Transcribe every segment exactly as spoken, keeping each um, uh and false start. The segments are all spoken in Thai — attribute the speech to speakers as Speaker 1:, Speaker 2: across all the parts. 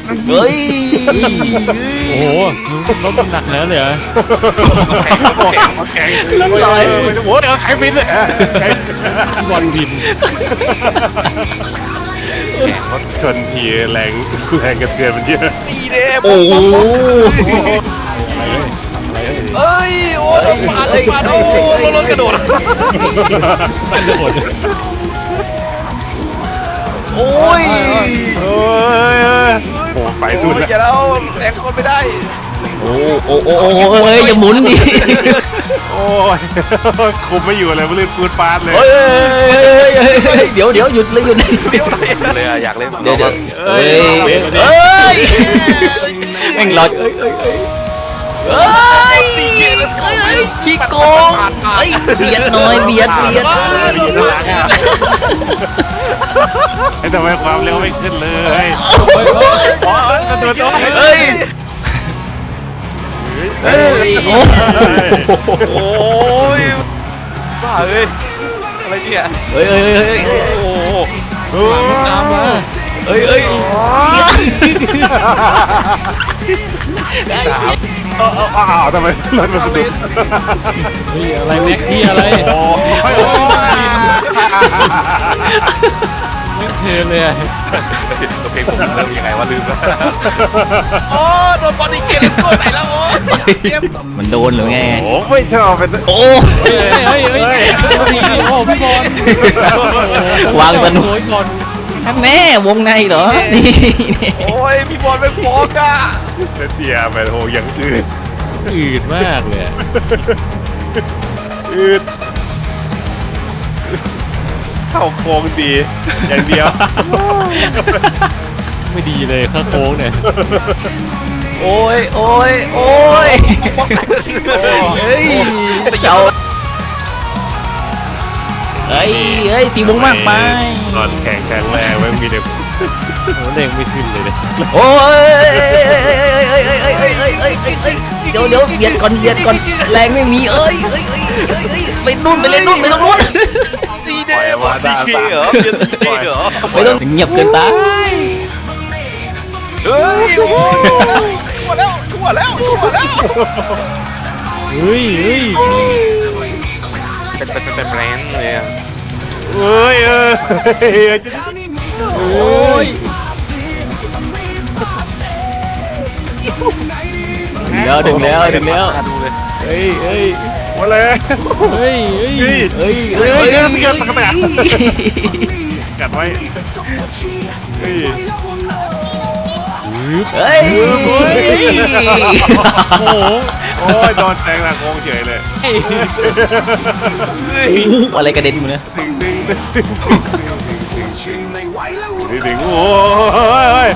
Speaker 1: เฮ้ย
Speaker 2: โอ้โหรถมันหนักแล้วเลยเหรอ
Speaker 3: แข็งแข็งแข็งโอ้ยแข็งบินเลย
Speaker 2: บอลบิน
Speaker 3: แข็งรถชนทีแรงแรงกระเทือนมันเยอะตีเด้
Speaker 1: โอ้โห
Speaker 3: เอ้ยโอ้ยมาดมาดโอ้รถกระโดด
Speaker 2: มันกระโดด
Speaker 1: โอ้ย
Speaker 3: โอ้ยโอ้ไปดูนะอย่าแล้วแรงคนไม่ได้
Speaker 1: โอ้โอ้โอ้โอ้เฮ้ยอย่าหมุนดิ
Speaker 3: โอ้ยคุมไม่อยู่เลยมันลื่นปืนปาดเลย
Speaker 1: เฮ้ยเดี๋ยวเดี๋ยวหยุดเลยหยุด
Speaker 3: เลยอะอยากเล่น
Speaker 1: เดี๋ยวเดี๋ยวเฮ้ยเฮ้ยแม่งรอเฮ้ยเฮ้ยเฮ้ยเฮ้ยขี้โกงเฮ้ยเบียดหน่อยเบียดเบียด
Speaker 3: ไอ้ทำไมความเร็วไม่ขึ้นเลยเฮ้ยกระโดด
Speaker 1: เฮ้ยเฮ้ย
Speaker 3: โอ้ยบ้าเอ้ยอะไรเนี่ย
Speaker 1: เฮ้ยเฮ้ยเฮ้ยเฮ้ย
Speaker 3: โอ้โห
Speaker 2: น้ำมา
Speaker 1: เฮ้ยเฮ้ย
Speaker 3: อ้าวทำไมรถมันสะดุด
Speaker 2: เฮ้ยอะไรแม็กที่อะไร
Speaker 3: โอ้ย
Speaker 2: ไม่เทเลย
Speaker 3: โอเคผมเริ่มยังไงวะลืมแล้วโอ้โดนบอลอีกเกมตัวไหนแล้วโอ้
Speaker 1: มันโดนหรือไง
Speaker 3: โอ้ไม่ชอบเป็น
Speaker 1: โอ้
Speaker 2: เฮ้ยเฮ้ยเฮ้ยโอ้พี่บอล
Speaker 1: วางสนุกแม่วงในเหรอนี่
Speaker 3: โอ้ยพี่บอลเป็นฟอกอะเสียไปโหยังอืด
Speaker 2: อืดมากเลย
Speaker 3: อืดเข้าโค้งดีอย่างเดียว
Speaker 2: ไม่ดีเลยข้าโค้งเนี่ย
Speaker 1: โอ้ยโอ้ยโอ้ยเฮ้ยเจ้าเฮ้ยเฮ้ยตีวงมากไป
Speaker 3: ตอนแข่งแข่งแรงไม่มีเด็ก
Speaker 2: โอ้เด้งไม่ขึ้นเลยเนี่ย
Speaker 1: โอ้ยเอ้ยเอ้ยเอ้ยเอ้ยเอ้ยเอ้ยเอ้ยเอ้ยเดี๋ยวเดี๋ยวเบียดก่อนเบียดก่อนแรงไม่มีเอ้ยเอ้ยเอ้ยเอ้ยเอ้ยไปนู่นไปเลยนู่นไปตรงนู้น
Speaker 3: ดีเด้อดีเด้อเหรอเบียดดีเหรอ
Speaker 1: ไม่ต้องเงียบเกินไป
Speaker 3: เฮ้ยโอ้ยชั่วแล้วชั่วแล้วชั่วแล้ว
Speaker 2: เฮ้ยเฮ้ย
Speaker 3: เป็นเป็นเป็นแบรนด์เลยอ่ะเฮ้ยเออ
Speaker 1: โอ้ยถึงแล้วถึงแล้วถึงแล้วเฮ้ยเฮ้ย
Speaker 3: มาเลย
Speaker 2: เฮ้ยเฮ้ย
Speaker 1: เฮ้ย
Speaker 3: เฮ้ยเฮ้ยเกิดอะไรกัดไว้เฮ้ย
Speaker 1: เฮ้ย
Speaker 3: โอ้โหโอ้ยโดนแทงหลังโค้งเฉยเลย
Speaker 1: อะไรกระเด็นอยู่เนี่ย
Speaker 3: ดึงดึงดึงดึงดึงโอ้ย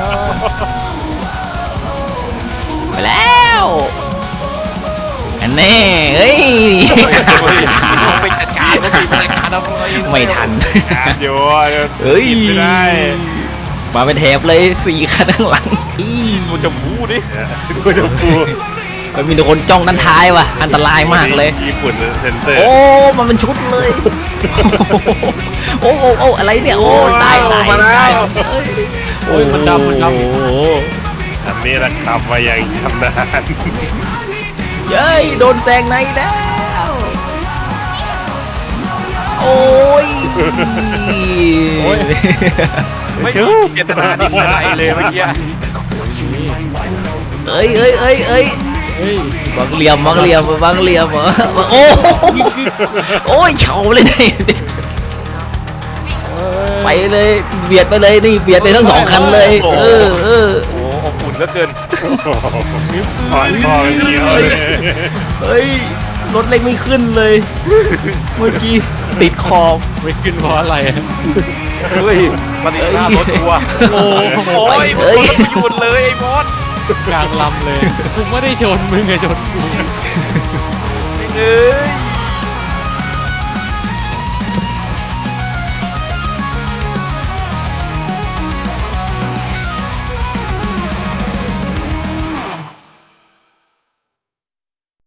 Speaker 1: ไปแล้วอันแน่เฮ้ย
Speaker 3: ไปจัดการ
Speaker 1: ไม่ทัน
Speaker 3: อยู่
Speaker 1: เฮ้ย
Speaker 3: ไม่ได้
Speaker 1: มาเป็นแถบเลยสี่คันข้างหลังอี
Speaker 3: กูจะพูดดิกูจะพูด
Speaker 1: มันมีแต่คนจ้องด้านท้ายว่ะอันตรายมากเลย
Speaker 3: ญี่ปุ่นเซนเตอร์
Speaker 1: โอ้มันเป็นชุดเลยโอ้โอ้โอ้อะไรเนี่ยโอ้ตายตายตาย
Speaker 2: โอ้ยมันดำมันดำ
Speaker 3: อันนี้แหละครับว่ายังทำนาน
Speaker 1: เย้ยโดนแซงในแล้วโอ้ย
Speaker 3: โอ้ยไม่รู้เจตนาดีอะไรเลยเมื่อกี้
Speaker 1: เอ้ยเอ้ยเอ้ยเอ้ยบางเหลี่ยมบางเหลี่ยมบางเหลี่ยมเหรอโอ้โอ้ยเฉาเลยนี่ไปเลยเบียดไปเลยนี่เบียดไปทั้งสองคันเลยเออเออ
Speaker 3: โอ้อบอุ่นเหลือเกินถอนคอเยอะเลย
Speaker 1: เฮ้ยรถเล็กไม่ขึ้นเลยเมื่อกี้ติดคอ
Speaker 2: ไม่ขึ้นเพราะอะไร
Speaker 3: เฮ้ยมันติดหน้ารถทัวร์โอ้ยมันไม่หยุดเลยไอ้บอส
Speaker 2: กลางลำเลยกูไม่ได้ชนมึงไงชนกู
Speaker 3: เอ้ย